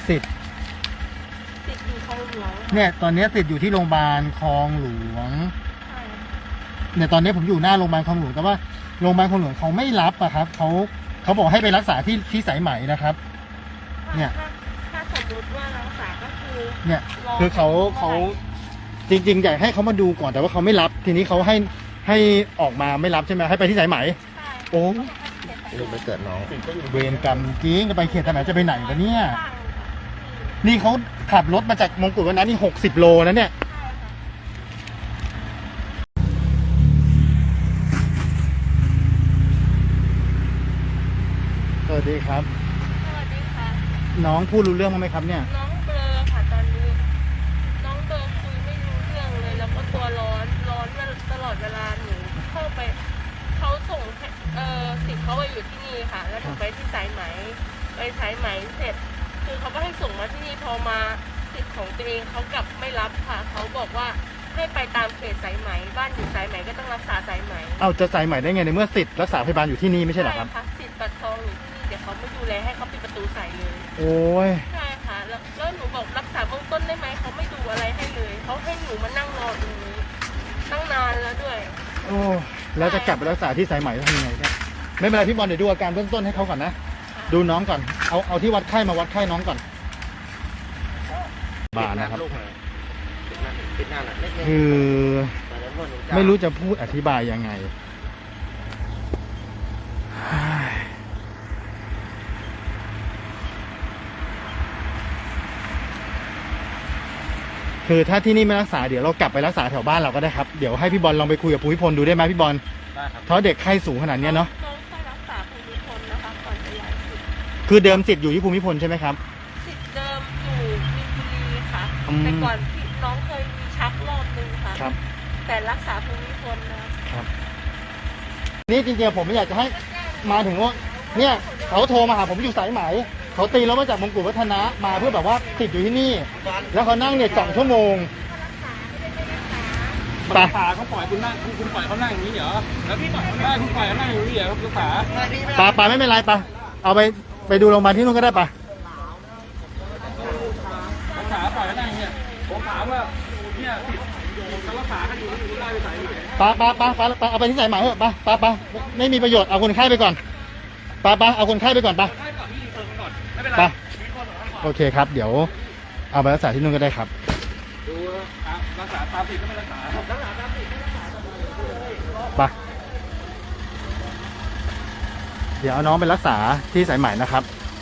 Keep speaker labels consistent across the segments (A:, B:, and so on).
A: สิทธิ์
B: อยู่คลองหลวง
A: เนี่ยตอนนี้สิทธิ์อยู่ที่โรงพยาบาลคลองหลวงเนี่ยตอนนี้ผมอยู่หน้าโรงพยาบาลคลองหลวงแต่ว่าโรงพยาบาลคลองหลวงเขาไม่รับอะครับเขาบอกให้ไปรักษาที่สายไหมนะครับเนี่ย
B: ถ้าสมมติว่ารักษาก็คือ
A: เนี่ยคือเขาจริงๆอยากให้เขามาดูก่อนแต่ว่าเขาไม่รับทีนี้เขาให้ออกมาไม่รับใช่ไหมให้ไปที่สายไหมโอ้
C: ลูกไปเกิดน้อง
A: เวรกรรมจริงจะไปเขตสายไหมจะไปไหนวะเนี่ยนี่เขาขับรถมาจากมงกุฎวันนั้นนี่60 โลนะเนี่ยสวัสดีครับ
B: สวัสดีค่ะ
A: น้องพูดรู้เรื่องมั้ยครับเนี่ย
B: น้องเบลอค่ะตอนนี้น้องเบลอคุยไม่รู้เรื่องเลยแล้วก็ตัวร้อนตลอดเวลาหนูเข้าไปเขาส่งสิทธิ์เขาไปอยู่ที่นี่ค่ะแล้วหนูไปที่สายไหมเสร็จคือเขาก็ให้ส่งมาที่นี่พอมาสิทธิ์ของตัวเองเขากลับไม่รับค่ะเขาบอกว่าให้ไปตามเขตสายไหมบ้านอยู่สายไหมก็ต้องรักษาสายไหม
A: เอาจะสายไหมได้ไงในเมื่อสิทธิ์รักษาพยาบาลอยู่ที่นี่ไม่ใช่เหรอครับ
B: ใช่ค่ะสิทธิ์บัตรทองอยู่ที่นี่เดี๋ยวเขาไม่ดูแลให้เขาปิดประตูใส่เลย
A: โอ้ย
B: ใช่ค่ะแล้วหนูบอกรักษาเบื้องต้นได้ไหมเขาไม่ดูอะไรให้เลยเขาให้หนูมานั่งรอตรงนี้ตั้งนานแล้วด้วย
A: โอ้แล้วจะกลับไปรักษาที่สายไหมทำยังไงเนี่ยไม่เป็นไรพี่บอลเดี๋ยวดูอาการเบื้องต้นให้เขาก่อนนะดูน้องก่อนเอาที่วัดไข้มาวัดไข้น้องก่อนบานะครับคือไม่รู้จะพูดอธิบายยังไงคือถ้าที่นี่ไม่รักษาเดี๋ยวเรากลับไปรักษาแถวบ้านเราก็ได้ครับเดี๋ยวให้พี่บอลลองไปคุยกับภูมิพลดูได้ไหมพี่บอล
C: ได้ครับ
A: เพราะเด็กไข้สูงขนาดนี้เนาะ
B: น้องไปรักษาภูมิพลนะคะก่อนจะย้ายสิทธิ์
A: คือเดิมสิทธิ์อยู่ที่ภูมิพลใช่ไหมครับ
B: สิทธิ์เดิมอยู่มีนบุรีค่ะแต่ก่อนที่น้องเคยมีชักรอบนึงค่ะ
A: ครับ
B: แต่รักษาภูมิพลนะครับ
A: นี่จริงๆผมไม่อยากจะให้มาถึงว่าเนี่ยเขาโทรมาหาผมอยู่สายไหมเขาตีแล้วมาจากมงกุฎวัฒนะมาเพื่อแบบว่าติดอยู่ที่นี่แล้วเขานั่งเนี่ย2 ชั่วโมง
C: รักษาเขาปล่อยคุณนั่งคุณปล่อยเขานั่งอย่างนี้เหรอแล้วพี่ปล่อยเขาได้คุณปล่อยเขานั่งอย่างนี้เหรอรักษา
A: ปาไม่เป็นไรปะเอาไปดูโรงพยาบาลที่นู่นก็ได้ปะ
C: รักษาปล่อยเขานั่งอย่างนี้ผมถามว่าเนี่ยรักษากันอยู่ที่ได้ไปใส่
A: ปาเอาไปที่สายไหมเถอะปาไม่มีประโยชน์เอาคนไข้ไปก่อนปาเอาคนไข้ไปก่อนปะโอเคครับเดี๋ยวเอาไปรักษาที่นู่นก็ได้ครับ
C: ดูรักษาตามสิทธิ์ก็ไม่รักษาตามสิทธิ์ไม่รักษา
A: ปะเดี๋ยวเอาน้องไปรักษาที่สายไหมนะครับ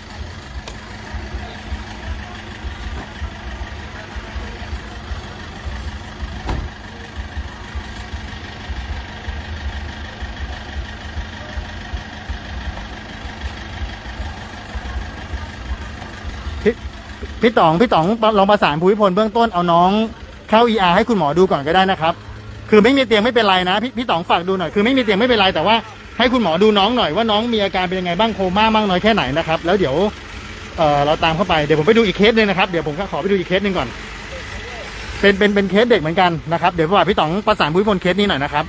A: พี่ต๋องลองประสานภูมิพลเบื้องต้นเอาน้องเข้า ER ให้คุณหมอดูก่อนก็ได้นะครับคือไม่มีเตียงไม่เป็นไรนะพี่ต๋องฝากดูหน่อยคือไม่มีเตียงไม่เป็นไรแต่ว่าให้คุณหมอดูน้องหน่อยว่าน้องมีอาการเป็นยังไงบ้างโคม่ามากน้อยแค่ไหนนะครับแล้วเดี๋ยวเราตามเข้าไปเดี๋ยวผมไปดูอีกเคสนึงนะครับเดี๋ยวผมขอไปดูอีกเคสนึงก่อนเป็นเคสเด็กเหมือนกันนะครับเดี๋ยวพี่ต๋องประสานภูมิพลเคสนี้หน่อยนะครับ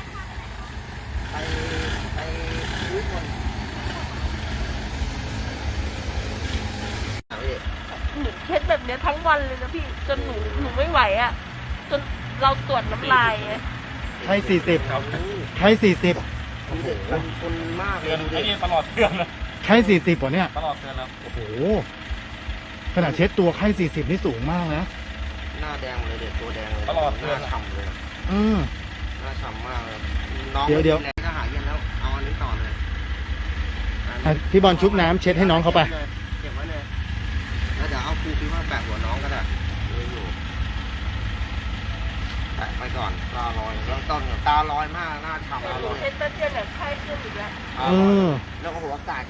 B: เคสแบบนี้ทั้งวันเลยนะพี่จนหนูไม่ไหวอ่ะจนเราตรวจน้ำลาย
A: ไข้40ครับไข้40
C: คนมากเลยไอ้นี่ตลอดเดือนนะ
A: ไข้40ป่ะเนี่ย
C: ตลอดเดือนแล้ว
A: โอ้โหขนาดเช็ดตัวไข้40นี่สูงมากนะ
C: หน้าแดงเลยเด็กตัวแดงเลยตลอดเดือนฉ่ำเลยหน้าฉ่ำมากเลยน้อง
A: เดี๋ยว
C: ก็หายเย็นแล้วเอาอันนี้ต่อเลย
A: พี่บอลชุบน้ำเช็ดให้น้องเขาไป
C: เก็บไว้เลยแล้วเดี๋ยวเอาครูคิดว่าแปะหัวน้องก็ได้อยู่แปะไปก่อนตาลอยเริ่มต้นตาลอยมากหน้าฉ่ำตาลอย
B: เช็ดแป๊บเดียวเนี่ยไข้ขึ้นอีกแล้ว
C: แล้วก็หัวอากาศ